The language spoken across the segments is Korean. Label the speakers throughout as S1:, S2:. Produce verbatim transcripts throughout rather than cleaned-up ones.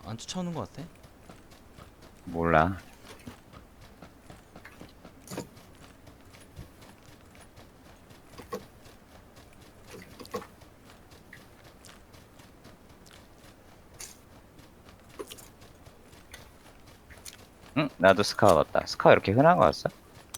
S1: 안 쫓아오는 것 같아?
S2: 몰라. 응? 나도 스카우 왔다. 스카우 이렇게 흔한 거였어?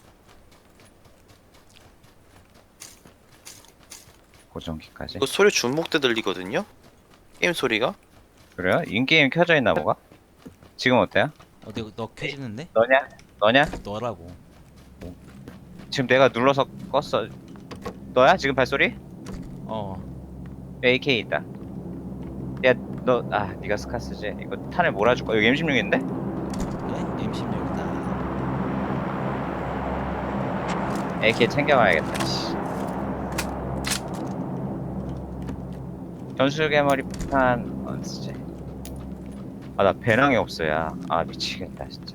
S2: 고정키까지?
S3: 이거 소리 중복돼 들리거든요? 게임 소리가?
S2: 그래요? 인게임 켜져 있나 뭐가? 지금 어때요?
S1: 어, 내가 너 켜지는데?
S2: 너냐? 너냐?
S1: 너라고.
S2: 지금 내가 눌러서 껐어. 너야? 지금 발소리?
S1: 어,
S2: 에이케이 있다. 야, 너, 아, 네가 스카 쓰지? 이거 탄을 몰아줄까? 여기 엠 십육인데?
S1: 그래? 엠 십육이다.
S2: 에이케이 챙겨와야겠다, 씨. 전술개머리 폭탄, 안 쓰지. 아, 나 배낭이 없어, 야. 아, 미치겠다, 진짜.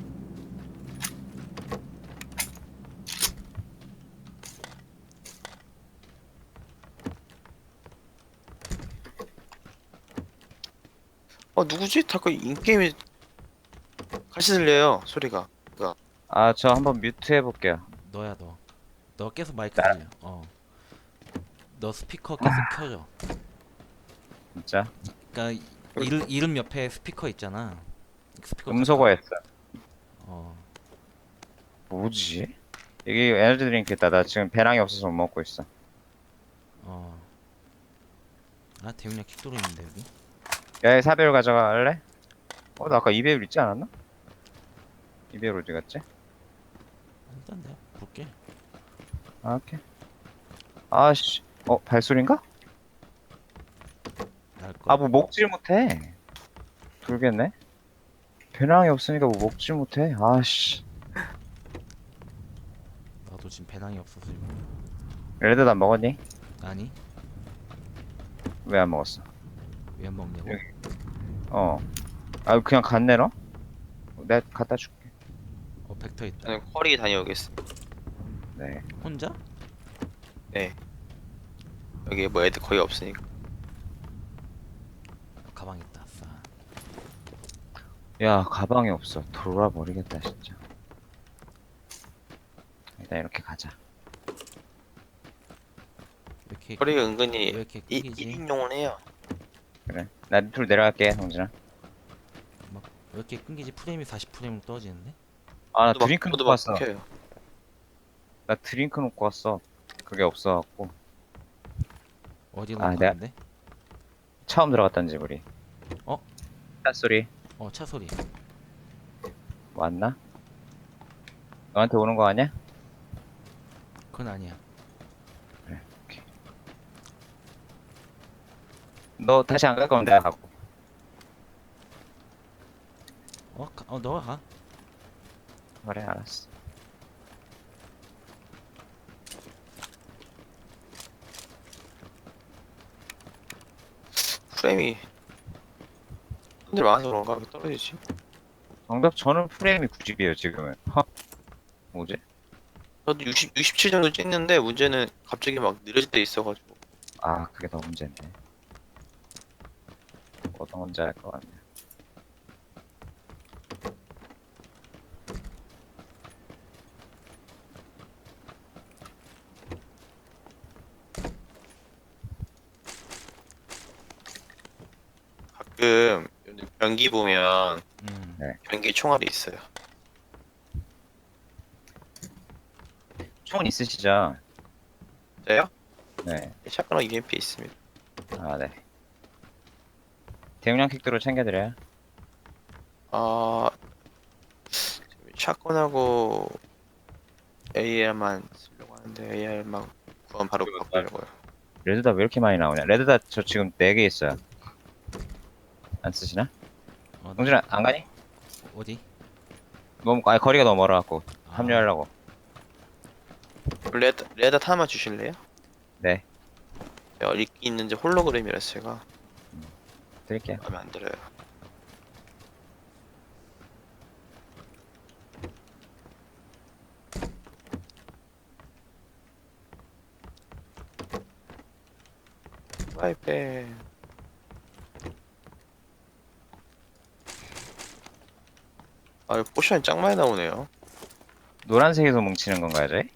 S3: 어 누구지? 자꾸 인게임이 같이 들려요 소리가. 그니까
S2: 아, 저 한번 뮤트 해볼게요.
S1: 너야, 너. 너 계속 마이크
S2: 나,
S1: 들려. 어. 너 스피커 계속 켜져.
S2: 진짜.
S1: 그니까, 이름, 이름 옆에 스피커 있잖아. 스피커 켰다.
S2: 음소거했어.
S1: 어.
S2: 뭐지? 여기 에너지 드링크 있다. 나 지금 배낭이 없어서 못 먹고 있어.
S1: 어. 아, 대용량 킥도로 있는데, 여기?
S2: 야, 사 배율 가져갈래? 어, 나 아까 이 배율 있지 않았나? 이 배율 어디 갔지?
S1: 일단 내가 볼게.
S2: 아, 오케이. 아씨. 어, 발소리인가?
S1: 날걸?
S2: 아, 뭐 먹질 못해. 돌겠네. 배낭이 없으니까 뭐 먹질 못해. 아씨.
S1: 나도 지금 배낭이 없어서 지금.
S2: 레드도 안 먹었니?
S1: 아니?
S2: 왜 안 먹었어?
S1: 왜 안 먹냐고?
S2: 여기. 어. 아, 그냥 갔네, 너? 내가 갖다 줄게.
S1: 어, 벡터 있다.
S3: 저는 쿼리 다녀오겠습니다.
S2: 네.
S1: 혼자?
S3: 네. 여기 뭐 애들 거의 없으니까.
S1: 가방 있다. 아싸.
S2: 야, 가방이 없어. 돌아버리겠다, 진짜. 일단 이렇게 가자.
S1: 왜 이렇게,
S3: 쿼리가
S1: 왜
S3: 은근히
S1: 이렇게
S3: 이,
S1: 끊기지?
S3: 일 인용을 해요.
S2: 그래. 나 밑으로 내려갈게, 성진아.
S1: 막, 왜 이렇게 끊기지? 프레임이 사십 프레임으로 떨어지는데?
S2: 아, 나
S3: 저도 막
S2: 드링크
S3: 저도
S2: 놓고
S3: 막
S2: 왔어.
S3: 끊겨요.
S2: 나 드링크 놓고 왔어. 그게 없어갖고.
S1: 어디로
S2: 아, 내가
S1: 갔는데?
S2: 처음 들어갔던 집, 우리.
S1: 어?
S2: 차 소리
S1: 어, 차 소리.
S2: 왔나? 너한테 오는 거 아니야?
S1: 그건 아니야.
S2: 그래, 오케이. 너 다시 안 갈 거면 내가 가고.
S1: 어, 가, 어, 너가 가.
S2: 그래, 알았어.
S3: 프레임이 사람들 많아서 그런가? 왜 떨어지지?
S2: 정답, 저는 프레임이 구십이에요, 지금은. 허? 뭐지?
S3: 저도 육십, 육십칠 정도 찍는데 문제는 갑자기 막 느려질 때 있어가지고.
S2: 아, 그게 더 문제네. 어떤 건지 알 것 같네.
S3: 가끔 요즘 변기 보면
S1: 음.
S2: 네.
S3: 변기 총알이 있어요.
S2: 총은 있으시죠?
S3: 저요?
S2: 네.
S3: 샷건과 유엠피 있습니다.
S2: 아, 네. 대용량 킥도로 챙겨드려요.
S3: 아, 샷건하고 에이알만 쓰려고 하는데 에이알만 구하면 바로 바꾸려고요.
S2: 레드다 왜 이렇게 많이 나오냐? 레드다 저 지금 네 개 있어요. 안 쓰시나?
S1: 어, 나,
S2: 동준아, 안 가니?
S1: 어디?
S2: 너무, 아니, 거리가 너무 멀어갖고.
S1: 아.
S2: 합류하려고.
S3: 레드 레드 하나만 주실래요?
S2: 네.
S3: 제가 읽기 있는지 홀로그램이라서 제가
S2: 드릴게요.
S3: 마음에 안 들어요. 프라이팬 아, 포션이 짱 많이 나오네요.
S2: 노란색에서 뭉치는 건가요, 저희?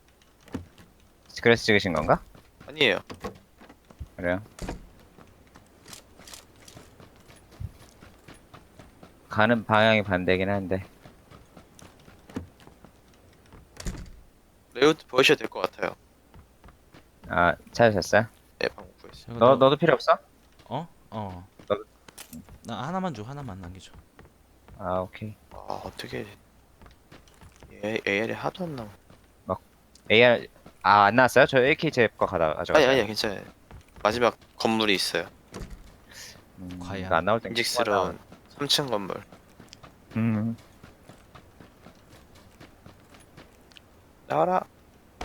S2: 그래서 찍으신 건가?
S3: 아니에요.
S2: 그래요? 가는 방향이 반대긴 한데.
S3: 레이아웃 보여주셔도 될 것 같아요.
S2: 아, 찾으셨어요?
S3: 네, 방금 구했어요.
S1: 저거
S2: 너,
S1: 너,
S2: 너도 필요 없어?
S1: 어? 어.
S2: 너-
S1: 나 하나만 줘. 하나만 남겨줘.
S2: 아, 오케이.
S3: 아, 어떻게 얘 에이알이 하도 안 나오.
S2: 에이알, 아, 안 나왔어요? 저 에이케이 제 거 가다
S3: 아니
S2: 가져갔어요.
S3: 아니야, 괜찮아요. 마지막 건물이 있어요.
S2: 음,
S1: 과연.
S2: 이거 안 나올 땐
S3: 인직스러운 삼 층 건물.
S2: 음,
S3: 나와라.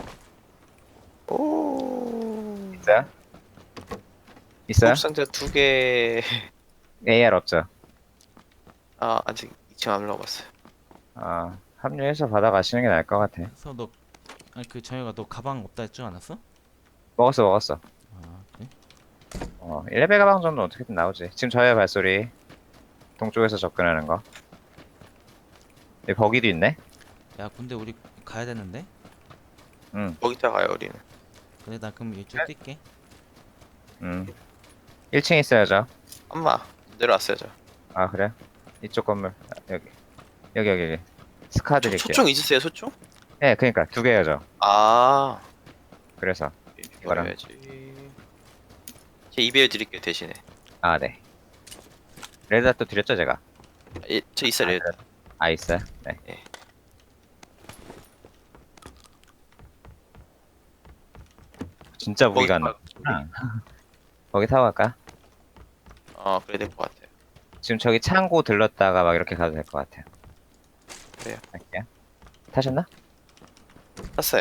S3: 오.
S2: 있어요? 있어요?
S3: 상자 두 개.
S2: 에이알 없죠?
S3: 아, 아직 이 층 안 올라가봤어요.
S2: 아, 합류해서 받아가시는 게 나을 것 같아.
S1: 그래서 너 아니 그 정혁아 너 가방 없다 했지 않았어?
S2: 먹었어, 먹었어.
S1: 아 그래?
S2: 어, 일 레벨 가방 정도 어떻게든 나오지. 지금 저의 발소리. 동쪽에서 접근하는 거. 여기 버기도 있네?
S1: 야 근데 우리 가야 되는데?
S2: 응,
S3: 거기다 가요, 우리는.
S1: 근데 나 그럼 이쪽 뛸게.
S2: 응. 일 층에 있어야죠.
S3: 엄마 내려왔어요, 저.
S2: 아, 그래? 이쪽 건물. 아, 여기. 여기, 여기, 여기. 스카
S3: 소,
S2: 드릴게요.
S3: 소총 있으세요, 소총?
S2: 네, 그니까. 두 개요, 저.
S3: 아,
S2: 그래서. 이거랑.
S3: 이거야지. 제 이베어 드릴게요, 대신에.
S2: 아, 네. 레드닷도 드렸죠, 제가?
S3: 아, 예, 저 있어요, 레드.
S2: 아, 있어요? 네.
S3: 네.
S2: 진짜 무기가 안
S3: 거기
S2: 나왔구나. 거기 타고 갈까?
S3: 아, 그래야 될 것 같아요.
S2: 지금 저기 창고 들렀다가 막 이렇게 가도 될 것 같아요.
S3: 그래요.
S2: 갈게요. 타셨나?
S3: 샀어요.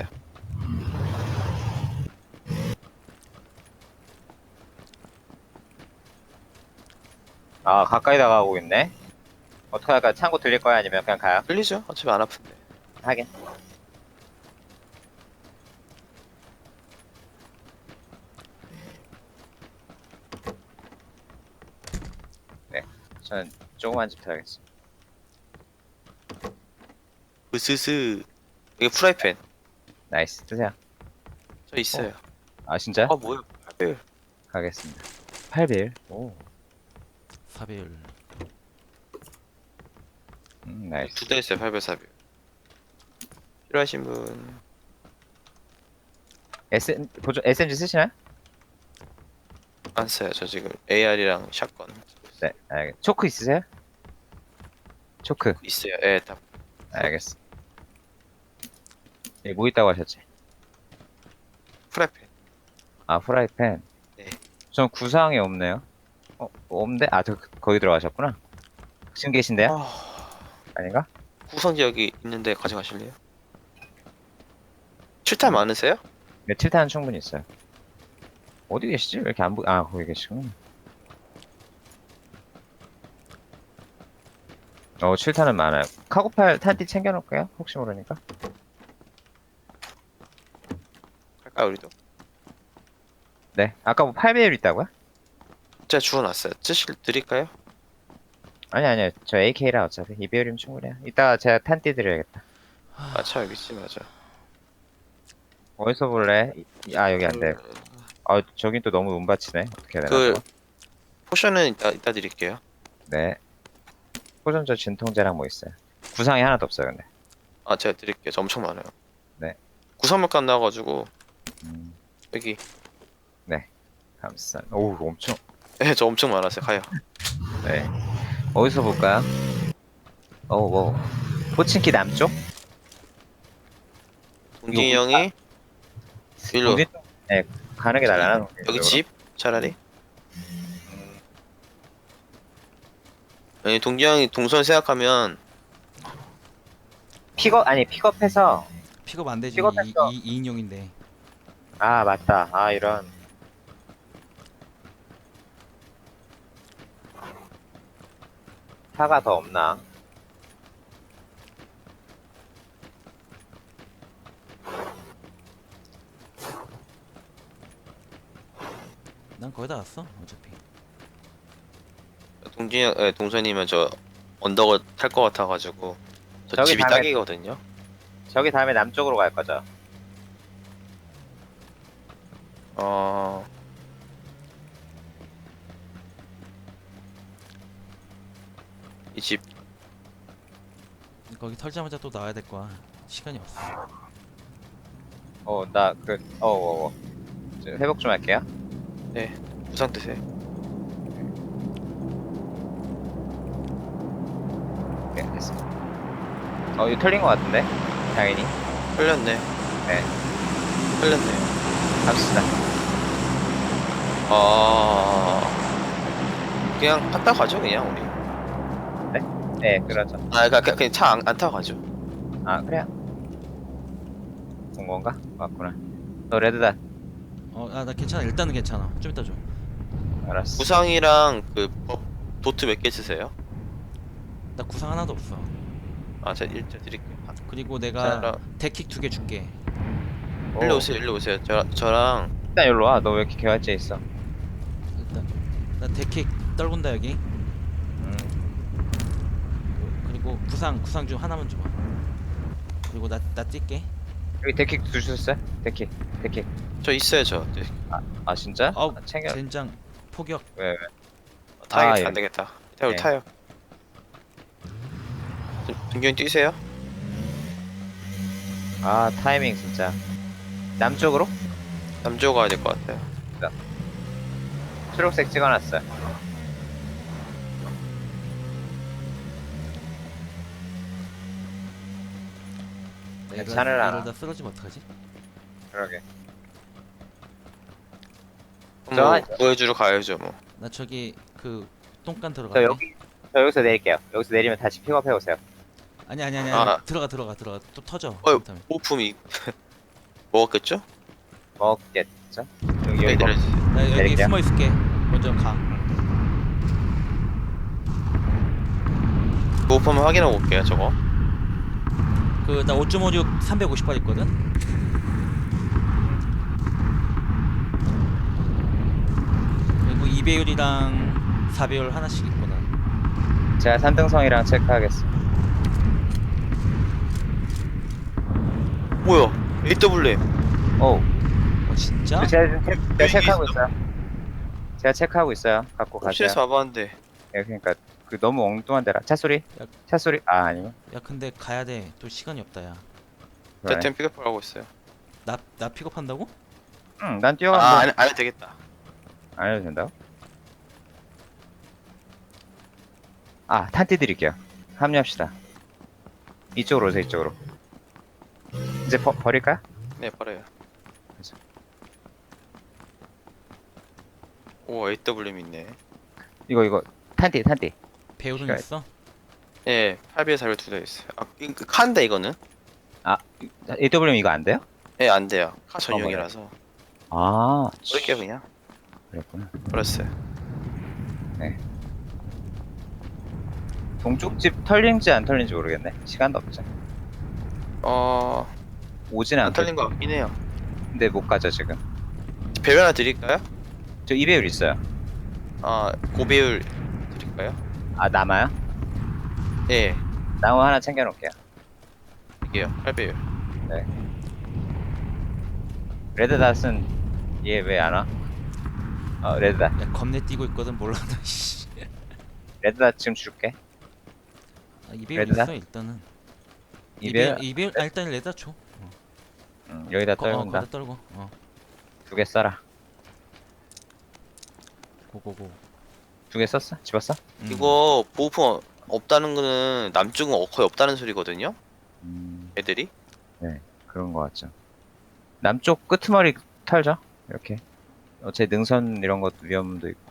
S2: 아, 가까이 다가오고 있네. 어떻게 할까? 창고 들릴 거야? 아니면 그냥 가요?
S3: 끌리죠? 어차피 안 아픈데.
S2: 하긴. 네. 저는 조그만 집 타야겠어.
S3: 으스스. 이게 프라이팬.
S2: 나이스. 드세요.
S3: 저 있어요.
S2: 아, 진짜?
S3: 아, 뭐야? 팔
S2: 가겠습니다. 팔 빌. 오.
S1: 사배율.
S2: 음, 나이스.
S3: 두 대 있어요, 팔 배, 사 배. 필요하신 분.
S2: S, 보조, 에스엠지 쓰시나요?
S3: 안 써요. 저 지금 에이알이랑 샷건
S2: 네. 알겠. 초크 있으세요? 초크.
S3: 있어요. 예, 다
S2: 알겠어. 예, 뭐 있다고 하셨지?
S3: 프라이팬.
S2: 아, 프라이팬.
S3: 네.
S2: 전 구상이 없네요. 어, 없는데? 아, 저, 거기 들어가셨구나. 지금 계신데요?
S3: 아,
S2: 아닌가?
S3: 구성지 여기 있는데 가져가실래요? 칠탄 많으세요?
S2: 네, 칠탄은 충분히 있어요. 어디 계시지? 왜 이렇게 안 보, 아, 거기 계시구나. 어, 칠탄은 많아요. 카고팔 탄띠 챙겨놓을게요. 혹시 모르니까.
S3: 갈까요, 우리도?
S2: 네. 아까 뭐 팔 배율 있다고요?
S3: 제가 주워놨어요. 쓰실 드릴까요?
S2: 아니, 아니요. 저 에이케이라 어차피. 이 배율이면 충분해요. 이따가 제가 탄띠 드려야겠다.
S3: 아, 참 여기 있지, 맞아.
S2: 어디서 볼래? 이- 아, 여기 안 돼. 아, 저긴 또 너무 운받치네. 어떻게 해야 되나?
S3: 그
S2: 저거?
S3: 포션은 이따 이따 드릴게요.
S2: 네. 포전저 진통제랑 뭐 있어요? 구상이 하나도 없어요, 근데.
S3: 아, 제가 드릴게요. 저 엄청 많아요.
S2: 네.
S3: 구성물감 나와가지고
S2: 음,
S3: 여기.
S2: 감사. 오우, 엄청.
S3: 예, 저 엄청 많았어요. 가요.
S2: 네. 어디서 볼까요? 어, 뭐. 포친키 남쪽?
S3: 동진이
S2: 이거
S3: 형이 일로.
S2: 어디? 네, 가는 게 날라나?
S3: 여기 집 차라리. 아니, 동진이 형이 동선 생각하면
S2: 픽업, 아니, 픽업해서.
S1: 픽업 안 되지.
S2: 픽업했어.
S1: 이 인용인데.
S2: 아, 맞다. 아, 이런. 차가 더 없나?
S1: 난 거의 다 왔어. 어차피.
S3: 동진이 형, 예, 동선이면 저 언덕을 탈 것 같아가지고 저
S2: 저기
S3: 집이
S2: 다음에-
S3: 딱이거든요.
S2: 저기 다음에 남쪽으로 갈 거죠.
S3: 어 이 집
S1: 거기 털자마자 또 나와야 될 거야. 시간이 없어.
S2: 어, 나 그, 어, 어, 어. 저 회복 좀 할게요.
S3: 부상 드세요.
S2: 네, 됐어. 어, 이거 털린 것 같은데? 당연히.
S3: 흘렸네.
S2: 네.
S3: 흘렸네요.
S2: 갑시다.
S3: 아 그냥 갔다 가죠 그냥 우리.
S2: 네, 그러죠.
S3: 아 그냥 그냥 차 안 안 타고 가죠.
S2: 아, 그래요? 온 건가? 맞구나. 너 레드다.
S1: 어, 아, 나 괜찮아. 일단은 괜찮아. 좀 이따 줘.
S2: 알았어.
S3: 구상이랑 그 법 도트 몇 개 쓰세요?
S1: 나 구상 하나도 없어.
S3: 아 제가 일자 드릴게요. 아,
S1: 그리고 내가
S3: 자,
S1: 데킥 두 개 줄게.
S2: 오,
S3: 일로 오세요 일로 오세요. 저 저랑
S2: 일단 여기로 와. 너 왜 이렇게 개활제 있어?
S1: 일단 나 데킥 떨군다 여기.
S2: 음,
S1: 그리고 구상 구상 좀 하나만 줘봐. 그리고 나 나 뛸게.
S2: 여기 데킥 주셨어요? 데킥, 데킥.
S3: 저 있어요 저. 네.
S2: 아, 진짜?
S1: 아우
S2: 아, 챙겨.
S1: 젠장 포격.
S2: 왜, 왜?
S3: 타야겠다
S2: 아, 예.
S3: 안 되겠다. 타요
S2: 네.
S3: 타요. 동경이 뛰세요?
S2: 아, 타이밍 진짜. 남쪽으로?
S3: 남쪽 가야 될 것 같아요.
S2: 초록색 찍어놨어요. 괜찮으라.
S1: 이러다 쓰러지면 어떡하지?
S2: 그러게.
S3: 뭐
S2: 저-
S3: 구해주러 가야죠 뭐.
S1: 나 저기 그 똥간
S2: 저
S1: 들어갈게.
S2: 여기, 저 여기서 내릴게요. 여기서 내리면 다시 픽업해 오세요.
S1: 아니 아니 아니,
S3: 아.
S1: 아니. 들어가 들어가 들어가 또 터져.
S3: 어,
S1: 그렇다면.
S3: 호품이 먹었겠죠?
S2: 먹겠죠? 여기, 여기
S3: 애들
S2: 먹...
S1: 나 여기
S2: 내릴게요.
S1: 숨어 있을게. 먼저 가.
S3: 호품 한번 확인하고 올게요 저거.
S1: 그 나 오 점 오육 삼백오십 발 있거든. 그리고 이 배율이랑 사 배율 하나씩 있구나.
S2: 제가 산등성이랑 체크하겠습니다.
S3: 뭐야? 에이더블유엠.
S2: 오,
S1: 어 진짜?
S2: 제가, 지금 체, 제가
S3: 여기
S2: 체크하고
S3: 있어?
S2: 있어요. 제가 체크하고 있어요. 갖고 가세요.
S3: 홈실에서 와봤는데
S2: 예, 그러니까 그 너무 엉뚱한 데라. 차 소리?
S1: 야.
S2: 차 소리? 아, 아니요.
S1: 야 근데 가야 돼. 또 시간이 없다 야.
S2: 그러네.
S3: 대템 픽업을 하고 있어요.
S1: 나 나 픽업한다고?
S2: 응, 난 뛰어가면
S3: 아,
S2: 뭐
S3: 안, 안 해도 되겠다.
S2: 안 해도 된다고? 아, 탄띠 드릴게요. 합류합시다. 이쪽으로 오세요, 이쪽으로. 이제 버, 버릴까요?
S3: 네, 버려요.
S2: 그죠.
S3: 오, 에이더블유엠 있네.
S2: 이거, 이거. 탄띠, 탄띠.
S1: 배율은
S2: 시간-
S1: 있어?
S3: 예, 팔 비에 사 배 두 대 있어요. 아, 이- 그 카인데 이거는?
S2: 에이더블유엠 이거 안 돼요?
S3: 예, 안 돼요. 카 전용이라서.
S2: 아,
S3: 버릴게요, 그냥.
S2: 그랬구나.
S3: 버렸어요.
S2: 동쪽 집 털린지 안 털린지 모르겠네. 시간도 없죠.
S3: 어,
S2: 오진
S3: 안
S2: 않고.
S3: 털린 것 같긴 해요.
S2: 근데 못 가죠, 지금.
S3: 배율 하나 드릴까요?
S2: 저 이 배율 있어요.
S3: 아, 고배율 드릴까요?
S2: 아, 남아요?
S3: 예,
S2: 나무 하나 챙겨놓을게요.
S3: 이게요. 팔 배율.
S2: 레드닷은 얘 왜 안 와? 어, 레드닷.
S1: 야 겁내 뛰고 있거든 몰라 나 씨.
S2: 레드닷 지금 줄게.
S1: 아, 이 배율
S2: 레드다?
S1: 있어 일단은.
S2: 이
S1: 이
S2: 배율,
S1: 배율 이 배율 아 일단 레다 줘.
S2: 응, 여기다
S1: 거, 어,
S2: 떨군다.
S1: 거기다 떨고. 어.
S2: 두 개 써라.
S1: 고고고.
S2: 두 개 썼어? 집었어?
S1: 음.
S3: 이거 보호품 없다는 거는 남쪽은 거의 없다는 소리거든요?
S2: 음,
S3: 애들이?
S2: 그런 거 같죠. 남쪽 끄트머리 털죠? 이렇게. 어차피 능선 이런 것도 위험도 있고.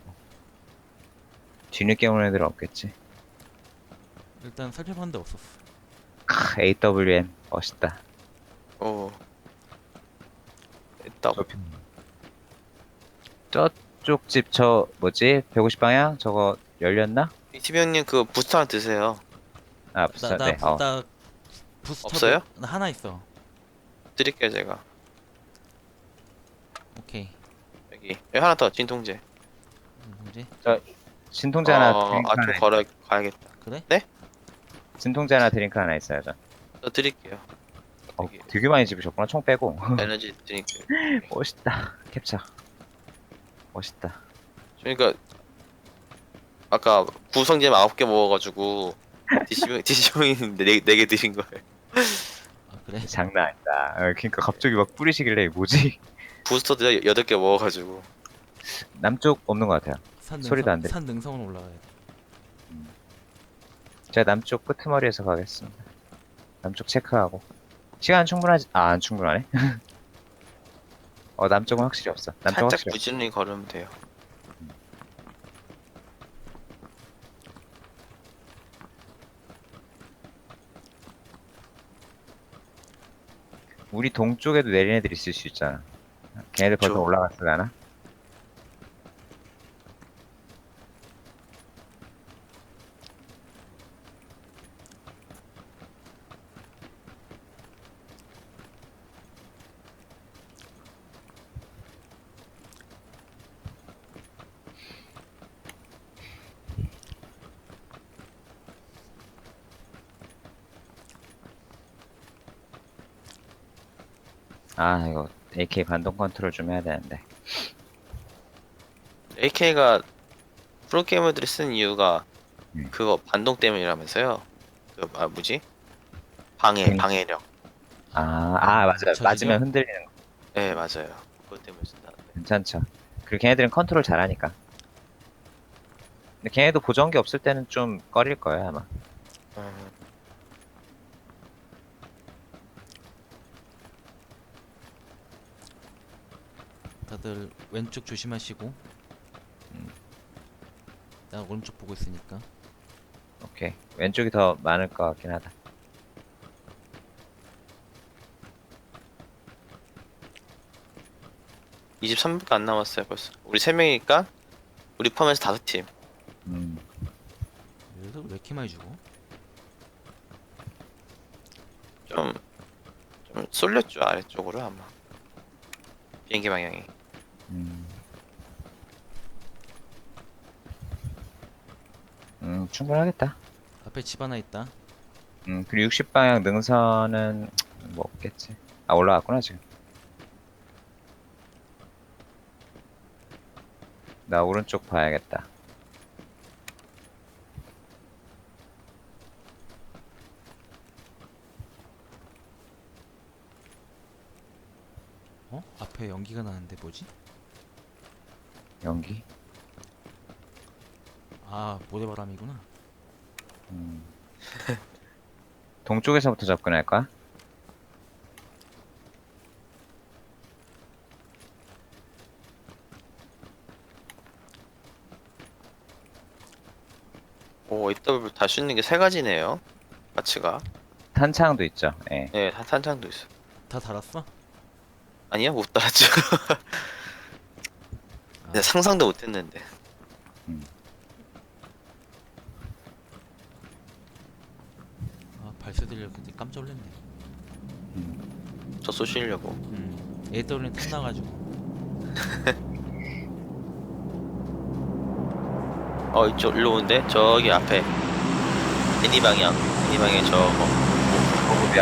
S2: 뒤늦게 오는 애들은 없겠지.
S1: 일단 살펴봤는데 없었어.
S2: 크, 에이더블유엠. 멋있다.
S3: 오. 있다.
S2: 저쪽 집 저 뭐지? 백오십 방향? 저거 열렸나?
S3: 이티비 형님 그 부스터 하나 드세요.
S2: 아, 부스
S1: 나 나
S2: 네. 어.
S1: 나 부스터
S3: 없어요?
S1: 나 하나 있어.
S3: 드릴게요, 제가.
S1: 오케이.
S3: 여기. 여기 하나 더, 진통제.
S1: 음, 뭐지?
S2: 진통제 하나
S3: 어, 아, 좀
S2: 드링크 하나
S3: 걸어 가야겠다.
S1: 그래?
S3: 네?
S2: 진통제 하나 드링크 하나 있어야죠.
S3: 저 드릴게요.
S2: 어,
S3: 되게
S2: 되게 많이 집으셨구나. 총 빼고.
S3: 에너지 드릴게요.
S2: 멋있다. 캡처. 멋있다.
S3: 그러니까 아까 구성잼 아홉 개 먹어가지고 디시병 디시병인데 네 개 드신 거예요.
S1: 아 그래?
S2: 장난 아니다. 어, 그러니까 갑자기 막 뿌리시길래 뭐지?
S3: 부스터도 여덟 개 먹어가지고.
S2: 남쪽 없는 것 같아요.
S1: 산
S2: 소리도 안
S1: 능선
S2: 들려.
S1: 산 능선으로 올라가야 돼.
S2: 제가 남쪽 끄트머리에서 가겠습니다. 남쪽 체크하고. 시간 충분하지? 아, 안 충분하네. 어, 남쪽은 확실히 없어. 남쪽
S3: 살짝
S2: 확실히 없어.
S3: 부지런히 걸으면 돼요.
S2: 우리 동쪽에도 내린 애들 있을 수 있잖아. 걔네들 벌써
S3: 그쵸.
S2: 올라갔을라나? 아, 이거 에이케이 반동 컨트롤 좀 해야 되는데.
S3: 에이케이가 프로게이머들이 쓰는 이유가
S2: 음.
S3: 그거 반동 때문이라면서요. 그 아, 뭐지? 방해
S2: 음.
S3: 방해력.
S2: 아, 아, 맞아요.
S1: 저지죠?
S2: 맞으면 흔들리는 거.
S3: 네 맞아요. 그것 때문에 쓴다는데.
S2: 괜찮죠. 그리고 걔네들은 컨트롤 잘하니까. 근데 걔네도 보정기 없을 때는 좀 꺼릴 거예요, 아마.
S3: 음,
S1: 다들 왼쪽 조심하시고.
S2: 음.
S1: 나 오른쪽 보고 있으니까.
S2: 오케이. 왼쪽이 더 많을 것 같긴 하다.
S3: 이십삼 분도 안 남았어요 벌써. 우리 세 명이니까 우리 포함해서 다섯 팀.
S2: 음.
S1: 여기서 왜 이렇게 많이 주고?
S3: 좀, 좀 쏠렸죠 아래쪽으로 아마. 비행기 방향이.
S2: 음. 음, 충분하겠다.
S1: 앞에 집 하나 있다.
S2: 음, 그리고 육십 방향 능선은 뭐 없겠지. 아, 올라갔구나, 지금. 나 오른쪽 봐야겠다.
S1: 어? 앞에 연기가 나는데 뭐지?
S2: 연기?
S1: 아 모래바람이구나.
S2: 음. 동쪽에서부터 접근할까?
S3: 오 에이더블유 달 수 있는 게 세 가지네요. 가치가.
S2: 탄창도 있죠. 예.
S3: 네 탄- 탄창도 있어.
S1: 다 달았어?
S3: 아니요 못 달았죠.
S1: 아,
S3: 내가 상상도 못했는데.
S1: 아 발소 들려 근데 깜짝 놀랐네.
S3: 저 쏘시려고.
S1: 음. 에이더블유는 탐나가지고.
S3: 어 이쪽 일로 오는데 저기 앞에 애니 방향 애니 방향 저거
S2: 보급이야.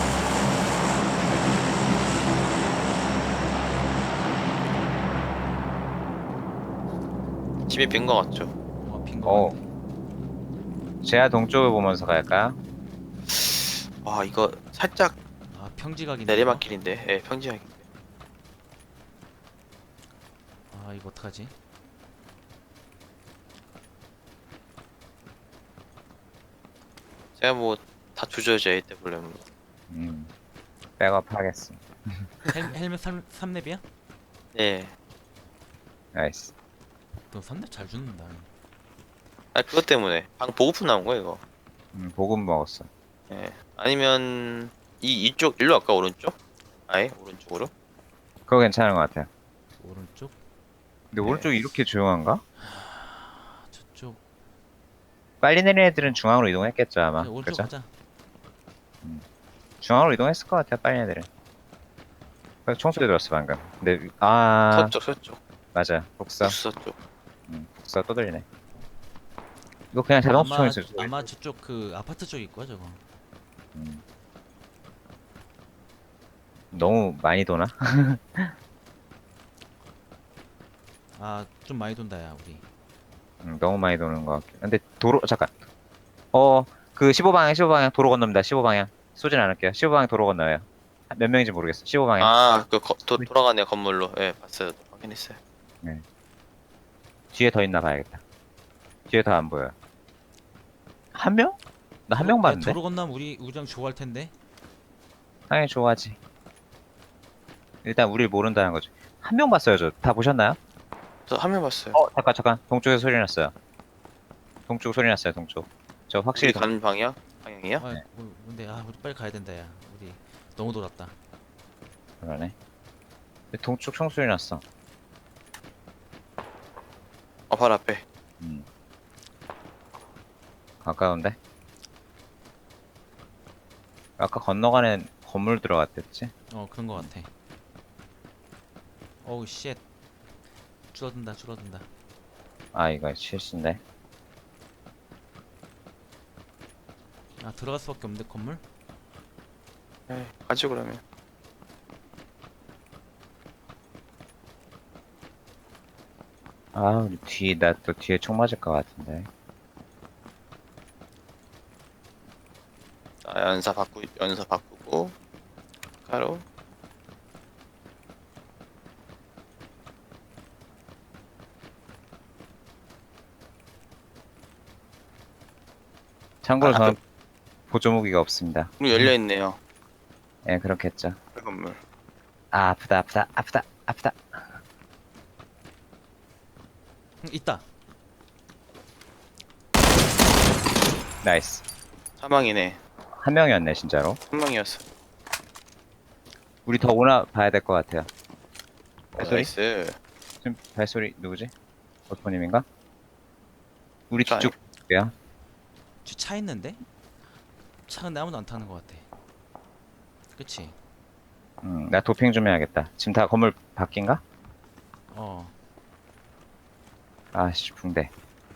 S3: 집에 빈 거 같죠?
S1: 어 빈거
S2: 어.
S1: 같네.
S2: 제야 동쪽을 보면서 갈까요?
S3: 와 이거 살짝
S1: 아 평지각이네.
S3: 내리막길인데 예 평지하게.
S1: 이거? 아 이거 어떡하지?
S3: 제가 뭐 다 조져야죠 에이더블유는.
S2: 음. 백업 하겠습니다.
S1: 헬, 헬멧 삼 렙이야?
S3: 네.
S2: 나이스.
S1: 너 삼 렙 잘 죽는다.
S3: 아 그것 때문에 방 보고품 나온 거야 이거.
S2: 음, 보급 먹었어.
S3: 예. 아니면 이 이쪽 일로 갈까 오른쪽? 아예 오른쪽으로?
S2: 그거 괜찮은 것 같아요.
S1: 오른쪽?
S2: 근데
S3: 네.
S2: 오른쪽이 이렇게 조용한가?
S1: 아 저쪽.
S2: 빨리 내리는 애들은 중앙으로 이동했겠죠, 아마.
S1: 그냥 오른쪽
S2: 그죠?
S1: 가자.
S2: 중앙으로 이동했을 것 같아요, 빨리 애들은. 그래서 총소리 들었어, 방금. 근데, 아,
S3: 서쪽 서쪽
S2: 맞아. 복사.
S3: 북서 쪽.
S2: 음, 복사 또 들리네. 이거 그냥 자동
S1: 아마
S2: 추천일 수도
S1: 아마 저쪽 그 아파트 쪽일 거야 저거.
S2: 음. 너무 많이 도나?
S1: 아 좀 많이 돈다 야 우리.
S2: 음, 너무 많이 도는 것 같긴. 근데 도로 잠깐. 어, 그 십오 방향, 십오 방향 도로 건넙니다. 십오 방향. 쏘진 않을게요. 십오 방향 도로 건너요. 몇 명인지 모르겠어. 십오 방향.
S3: 아그 돌아가네요 건물로. 예 봤어요. 확인했어요.
S2: 뒤에 더 있나 봐야겠다. 뒤에 더 안 보여요. 한 명? 나 한
S1: 도로-
S2: 명
S1: 야,
S2: 봤는데?
S1: 도로 건너면 우리 우리랑 좋아할 텐데.
S2: 당연히 좋아하지. 일단 우릴 모른다는 거지. 한 명 봤어요, 저. 다 보셨나요?
S3: 저 한 명 봤어요.
S2: 어, 잠깐, 잠깐. 동쪽에서 소리 났어요. 동쪽 소리 났어요, 동쪽. 저
S3: 우리
S2: 확실히 동...
S3: 가는 방향? 방향이요?
S1: 아 우- 근데 아 우리 빨리 가야 된다 야. 우리 너무 돌았다.
S2: 그러네. 근데 동쪽 총소리 났어.
S3: 어 바로 앞에.
S2: 음. 가까운데? 아까 건너가는 건물 들어갔댔지?
S1: 어 그런 거 같아. 어우 쉣. 줄어든다 줄어든다.
S2: 아, 이거 실수인데.
S1: 아 들어갈 수밖에 없는데 건물?
S3: 예 가죠 그러면.
S2: 아, 우리 뒤, 나 또 뒤에 총 맞을 것 같은데.
S3: 자, 연사 바꾸 연사 바꾸고 가로.
S2: 참고로
S3: 아,
S2: 저는 보조 무기가 없습니다.
S3: 문이 열려 있네요.
S2: 예, 그렇겠죠.
S3: 그 건물.
S2: 아, 아프다, 아프다, 아프다, 아프다.
S1: 응, 있다.
S2: 나이스.
S3: 사망이네.
S2: 한 명이었네, 진짜로.
S3: 한 명이었어.
S2: 우리 더 오나 봐야 될 것 같아요.
S3: 어,
S2: 발소리?
S3: 나이스.
S2: 지금 발소리 누구지? 버스포님인가? 우리
S3: 저
S2: 뒤쪽 야
S1: 저 차 있는데? 차 근데 아무도 안 타는 것 같아. 그치?
S2: 음, 나 도핑 좀 해야겠다. 지금 다 건물 바뀐가?
S1: 어.
S2: 아씨, 붕대.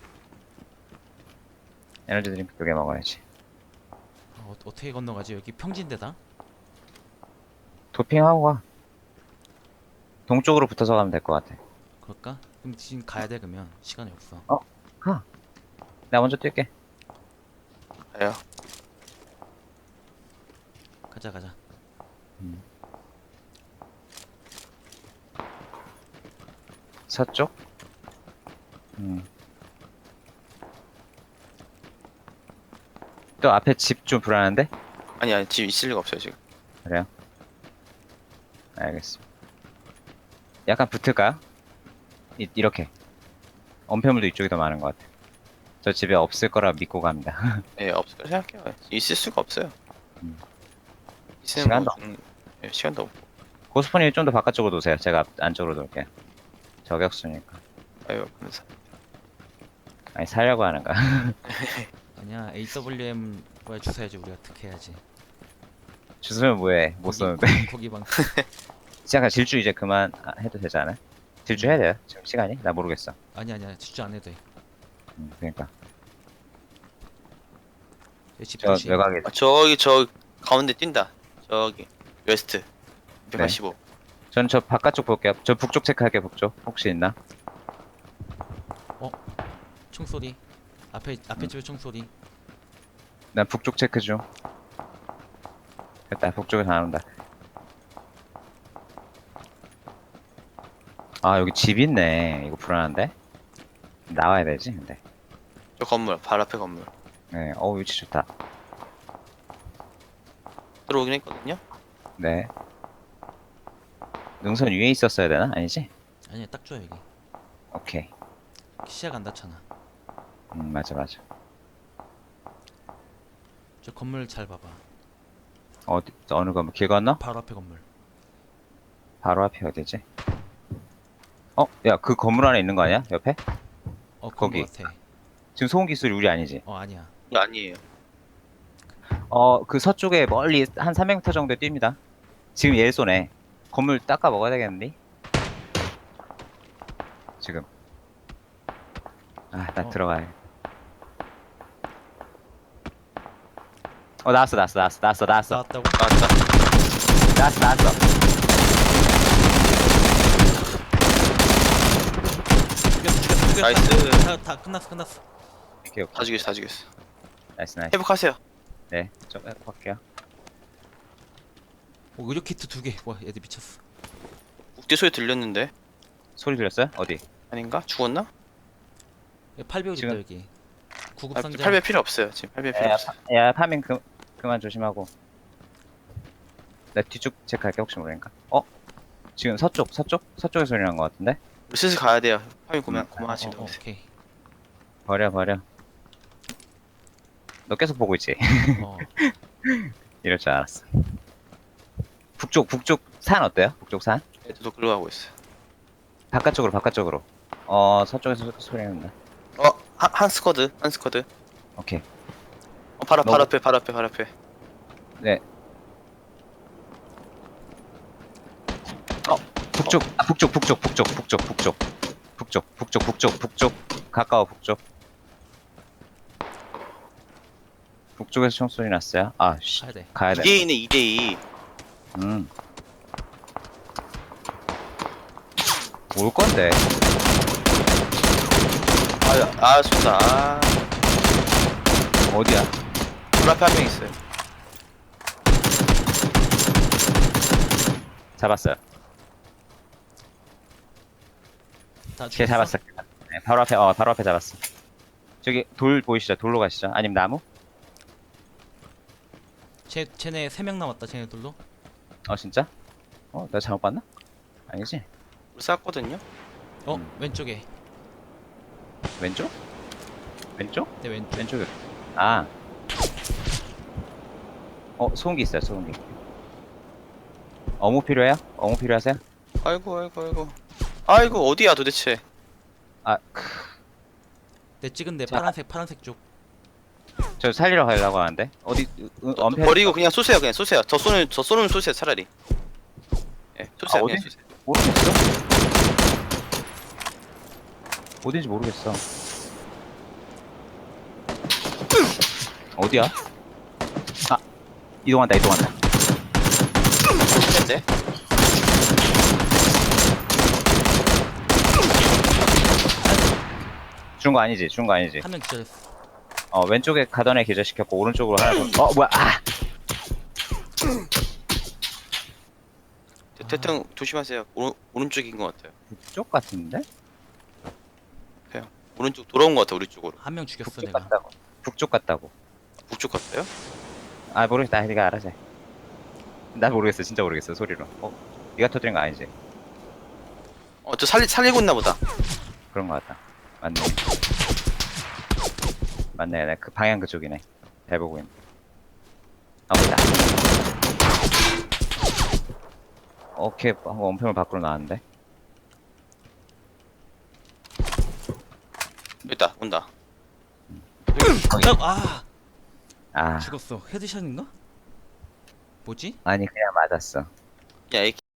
S2: 에너지 드링크 두 개 먹어야지.
S1: 어 어떻게 건너가지? 여기 평지인데다?
S2: 도핑하고 가. 동쪽으로 붙어서 가면 될 것 같아.
S1: 그럴까? 그럼 지금 가야 돼 그러면 시간이 없어.
S2: 가. 나 먼저 뛸게.
S3: 가요.
S1: 가자 가자.
S2: 서쪽? 음. 또 앞에 집 좀 불안한데?
S3: 아니 아니 집 있을 리가 없어요 지금.
S2: 그래요? 알겠습니다. 약간 붙을까요? 이, 이렇게. 엄폐물도 이쪽이 더 많은 것 같아. 저 집에 없을 거라 믿고 갑니다.
S3: 예 없을 거라 생각해요. 있을 수가 없어요.
S2: 음.
S3: 있으면
S2: 시간도
S3: 뭐 좀, 예, 시간도 없고.
S2: 고스포님 좀 더 바깥쪽으로 놓으세요. 제가 앞- 안쪽으로 놓을게요. 저격수니까.
S3: 아유 그래서
S2: 아니, 살려고 하는 거야.
S1: 아니야 에이더블유엠 거에 주워야지 우리가 특해야지.
S2: 주스면 뭐해. 못 쏘는데.
S1: 거기 방.
S2: 잠깐 질주 이제 그만 아, 해도 되지 않아요? 질주 해야 돼요? 지금 시간이? 나 모르겠어.
S1: 아니야 아니야 집중 안 해도 돼.
S2: 음, 그러니까.
S1: 여기 집
S2: 저
S1: 조심.
S2: 외곽에
S3: 아, 저기 저 가운데 뛴다. 저기 웨스트 백팔십오.
S2: 전 저 바깥쪽 볼게요. 저 북쪽 체크할게요. 북쪽. 혹시 있나?
S1: 총소리. 앞에 앞에
S2: 음.
S1: 집에 총소리.
S2: 난 북쪽 체크 중. 됐다. 북쪽에서 안 온다. 아, 여기 집 있네. 이거 불안한데? 나와야 되지, 근데.
S3: 저 건물 바로 앞에 건물
S2: 네, 어 위치 좋다.
S3: 들어오긴 했거든요.
S2: 네. 능선 위에 있었어야 되나? 아니지?
S1: 아니야 딱 좋아 여기.
S2: 오케이.
S1: 시야가 안 닿잖아.
S2: 음, 맞아, 맞아.
S1: 저 건물 잘 봐봐.
S2: 어디, 어느 건물? 길 건너?
S1: 바로 앞에 건물.
S2: 바로 앞이 어디지? 어? 야, 그 건물 안에 있는 거 아니야? 옆에?
S1: 어 그런
S2: 거기.
S1: 거 같아.
S2: 지금 소음기 소리 우리 아니지?
S1: 어 아니야.
S3: 이거 아니에요.
S2: 어, 그 서쪽에 멀리 한 삼백 미터 정도에 뜁니다. 지금 얘 쏘네. 건물 닦아 먹어야 되겠는데? 지금. 아, 나
S1: 어.
S2: 들어가야. 어 나왔어 나왔어 나왔어 나왔어 나왔어
S1: 나왔다고?
S3: 나왔다.
S2: 나왔어 나왔어.
S1: 죽였어 죽였어 죽였어.
S3: 나이스.
S1: 다, 다 끝났어 끝났어.
S2: 오케이 오케이.
S3: 다 죽였어 다 죽였어.
S2: 나이스 나이스.
S3: 회복하세요.
S2: 네, 좀 해볼게요.
S1: 오 의료 키트 두 개. 와 애들 미쳤어.
S3: 국대 소리 들렸는데
S2: 소리 들렸어요? 어디?
S3: 아닌가? 죽었나?
S1: 팔 배율 있다
S2: 지금-
S1: 여기. 구급
S3: 아,
S1: 상자.
S3: 팔 배 필요 없어요. 지금 팔 배 필요
S2: 야,
S3: 없어.
S2: 파, 야 파밍 그, 그만 조심하고. 나 뒤쪽 체크할게 혹시 모르니까. 어? 지금 서쪽 서쪽 서쪽에 소리 난 것 같은데?
S3: 우리 슬슬 가야 돼요. 파밍 고만
S2: 음.
S1: 어,
S3: 고만하시면
S1: 어,
S3: 돼.
S1: 오케이.
S2: 버려 버려. 너 계속 보고 있지?
S1: 어.
S2: 이럴 줄 알았어. 북쪽 북쪽 산 어때요? 북쪽 산?
S3: 애들도 글로 가고 있어요.
S2: 바깥쪽으로 바깥쪽으로. 어 서쪽에서 소, 소리 난다.
S3: 어, 한, 한 스쿼드, 한 스쿼드.
S2: 오케이.
S3: 어, 바로
S2: 너무-
S3: 바로 앞에, 바로 앞에, 바로 앞에.
S2: 네. 어 북쪽 아, 북쪽 북쪽 북쪽 북쪽 북쪽 북쪽 북쪽 북쪽 북쪽 가까워 북쪽. 북쪽에서 총소리 났어요. 아 씨.
S1: 가야 돼.
S2: 가야 돼.
S3: 이 대이네, 이 대이.
S2: 음. 올 건데.
S3: 아, 아, 쏜다. 아,
S2: 어디야?
S3: 바로 앞에 한 명 있어요.
S2: 잡았어요.
S1: 다
S2: 걔
S1: 죽였어?
S2: 잡았어. 네, 바로 앞에, 어, 바로 앞에 잡았어. 저기 돌 보이시죠? 돌로 가시죠? 아니면 나무?
S1: 쟤 쟤네 세 명 남았다. 쟤네들로.
S2: 어, 진짜? 어, 내가 잘못 봤나? 아니지?
S3: 우리 쌌거든요.
S1: 어
S2: 음.
S1: 왼쪽에.
S2: 왼쪽? 왼쪽?
S1: 내 왼쪽.
S2: 왼쪽에. 아. 어, 소음기 있어요, 소음기. 어묵 필요해요? 어묵 필요하세요?
S3: 아이고, 아이고, 아이고. 아이고, 어디야 도대체?
S2: 아, 크,
S1: 내 찍은데
S2: 자.
S1: 파란색 파란색 쪽.
S2: 저 살리러 가려고 하는데. 어디, 으,
S3: 또
S2: 엄폐.
S3: 버리고 그냥 쏘세요, 그냥 쏘세요. 저 쏘는, 저 쏘는 쏘세요, 차라리. 예, 쏘세요,
S2: 아,
S3: 그냥
S2: 어디?
S3: 쏘세요.
S2: 모르겠어. 어딘지 모르겠어. 어디야? 아, 이동한다, 이동한다.
S3: 했는데?
S2: 죽은 거 아니지? 죽은 거 아니지?
S1: 한 명 기절했어.
S2: 어, 왼쪽에 가던 애 기절시켰고, 오른쪽으로 하나 더. 어, 뭐야, 아!
S3: 대- 대통 조심하세요. 오른, 오른쪽인 것 같아요.
S2: 북쪽 같은데?
S3: 오른쪽 돌아온 것 같아, 우리 쪽으로.
S1: 한 명 죽였어
S2: 북쪽
S1: 내가.
S2: 같다고. 북쪽 같다고.
S3: 북쪽 같아요?
S2: 아, 모르겠다. 네가 알아서 해. 나 모르겠어. 진짜 모르겠어. 소리로. 어, 네가 터뜨린 거 아니지?
S3: 어, 저 살리, 살리고 있나 보다.
S2: 그런 거 같다. 맞네. 맞네. 나 그 방향 그쪽이네. 잘 보고 있네. 아, 보이다. 오케이. 한번 원평을 밖으로 나왔는데.
S3: 여기 있다, 온다.
S1: 저, 아
S2: 아,
S1: 죽었어. 헤드샷인가? 뭐지?
S2: 아니, 그냥 맞았어.
S3: 야, 이